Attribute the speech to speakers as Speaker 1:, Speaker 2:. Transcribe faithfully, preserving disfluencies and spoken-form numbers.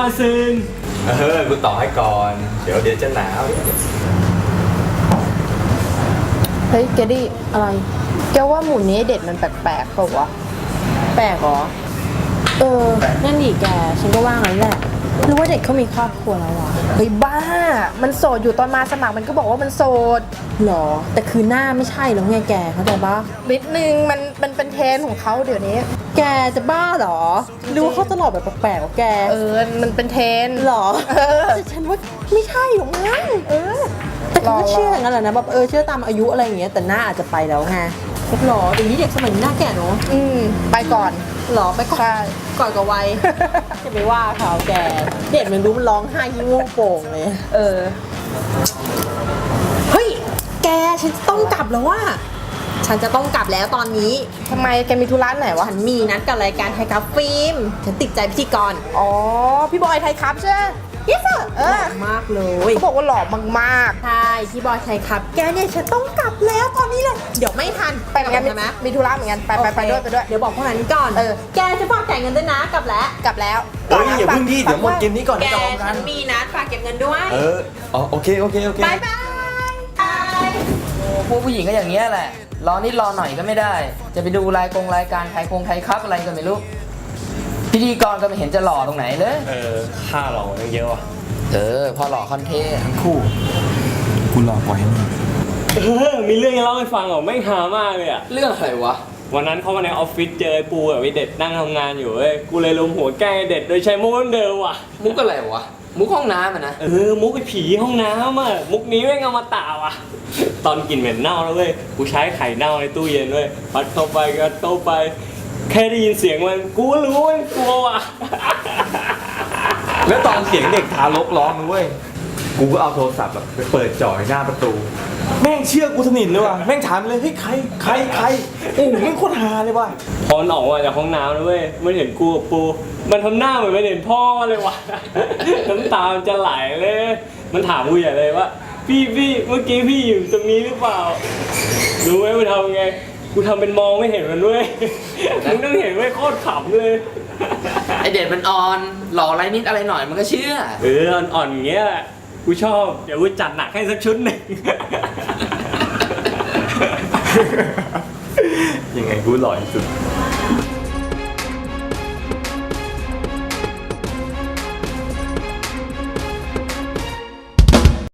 Speaker 1: ว่าซึง
Speaker 2: เออกูต่อให้ก่อนเดี๋ยวเดี๋ยวจะหนาว
Speaker 3: เฮ้ยแกดิอะไรแกว่าหมูนี้เด็ดมันแปลกๆเปล่าวะแปลกเหรอเออนั่นดิแกฉันก็ว่างั้นแหละหรือว่าเด็กเขามีครอบครัวแล้ววะเฮ้ยบ้ามันโสดอยู่ตอนมาสมัครมันก็บอกว่ามันโสดหรอแต่คือหน้าไม่ใช่แล้วไงแกเข้าใจปะนิดนึงมันมันเป็นเทรนของเขาเดี๋ยวนี้แกจะบ้าหรอหรือว่าเขาตลอดแบบแปลกๆวะแกเออมันเป็นเทรนหรอเออแต่ฉันว่าไม่ใช่หรอกมั้งเออแต่ก็เชื่ออย่างนั้นแหละนะแบบเออเชื่อตามอายุอะไรอย่างเงี้ยแต่หน้าอาจจะไปแล้วไงหรอเดี๋ยวนี้เด็กสมัยนี้หน้าแก่เนาะอืมไปก่อนหรอไปก่อนก่อนกับวัยจะไปว่าเขาแกเด็กมันรู้มันร้องไห้ยิ้มโป่งเลยเออเฮ้ยแกฉันจะต้องกลับแล้วว่าฉันจะต้องกลับแล้วตอนนี้ทำไมแกมีธุระไหนวะฉันมีนัดกับรายการไทยครับฟิล์มฉันติดใจพิธีกรอ๋อพี่บอยไทยครับใช่ไหมยิ่งเออมากเลยเขาบอกว่าหล่อมากๆใช่พี่บอยไทยครับแกเนี่ยฉันต้องกลับแล้วตอนนี้เลยเดี๋ยวไม่ทันไปเหมือนกันใช่ไหมมีธุระเหมือนกันไปไปไปด้วยไปด้วยเดี๋ยวบอกพวกนั้นก่อนเออแกจะฝากจ่ายเงินด้วยนะกลับแล้วกลับแล้ว
Speaker 2: เฮ้ยอย่าเพิ่งดิเดี๋ยวหมดเกมนี้ก่อน
Speaker 3: แก
Speaker 2: จะออกกั
Speaker 3: ฉั
Speaker 2: น
Speaker 3: นมีนัดฝากเก็บเงินด้วย
Speaker 2: เอออ๋อโอเคโอเคโอเค
Speaker 3: บายบายบาย
Speaker 4: พวกผู้หญิงก็อย่างเงี้ยแหละรอนิดรอหน่อยก็ไม่ได้จะไปดูรายกงรายการไทยคงไทยครับอะไรก็ไม่รู้พิธีกรก็ไม่เห็นจะหล่อตรงไหนเลย
Speaker 1: เออค่าหล่อเยอะว่ะ
Speaker 4: เออพอหล่อคอนเทนต์ทั้งคู่
Speaker 2: กูรอปล่อยให้มึง
Speaker 1: เออมีเรื่องจะเล่าให้ฟังเหรอไม่หามากเลยอะ
Speaker 4: เรื่องอะไรวะ
Speaker 1: วันนั้นเข้ามาในออฟฟิศเจอไอ้ปูกับไอ้เด็ดนั่งทำงานอยู่เว้ยกูเลยลงหัวแกล้งไอ้เด็ดโดยใช้มุกเดิมว่ะ
Speaker 4: มุกอะไรวะมุกห้องน้ำอะนะ
Speaker 1: เออมุกไอ้ผีห้องน้ำอะมุกนี้ไม่งเอามาตาว่ะตอนกินเหม็นเน่าแล้วเว้ยกูใช้ไข่เน่าในตู้เย็นเว้ยพัดเข้าไปก็เข้าไปแค่ได้ยินเสียงมันกูรู้ว่ากลัวว่ะ
Speaker 2: แล้วตอนเสียงเด็กทารกร้องนะเว้ยกูก็เอาโทรศัพท์แบบไปเปิดจ่อยหน้าประตูแม่งเชื่อกูสนิทเลยว่ะแม่งถามเลยเฮ้ยใครใครใครโอ้แม่งโคตรฮาเลยว่ะ
Speaker 1: พอมันออกมาจากห้องน้ำนะเว้ยมันเห็นกูกับปูมันทำหน้าเหมือนมันเห็นพ่อเลยว่ะน้ำตามันจะไหลเลยมันถามกูใหญ่เลยว่าพี่พี่เมื่อกี้พี่อยู่ตรงนี้หรือเปล่ารู้ไหมมันทำไงกูทำเป็นมองไม่เห็นมันด้วยมึงต้องเห็นไว้โคตรขำเลย
Speaker 4: ไอเด็ดมันอ่อนหล่ออะไรนิดอะไรหน่อยมันก็เชื่อ
Speaker 1: เอออ่อนๆอย่างเงี้ยกูชอบเดี๋ยวกูจัดหนักให้สักชุดหนึ่ง
Speaker 2: ยังไงกูหล่อที่สุด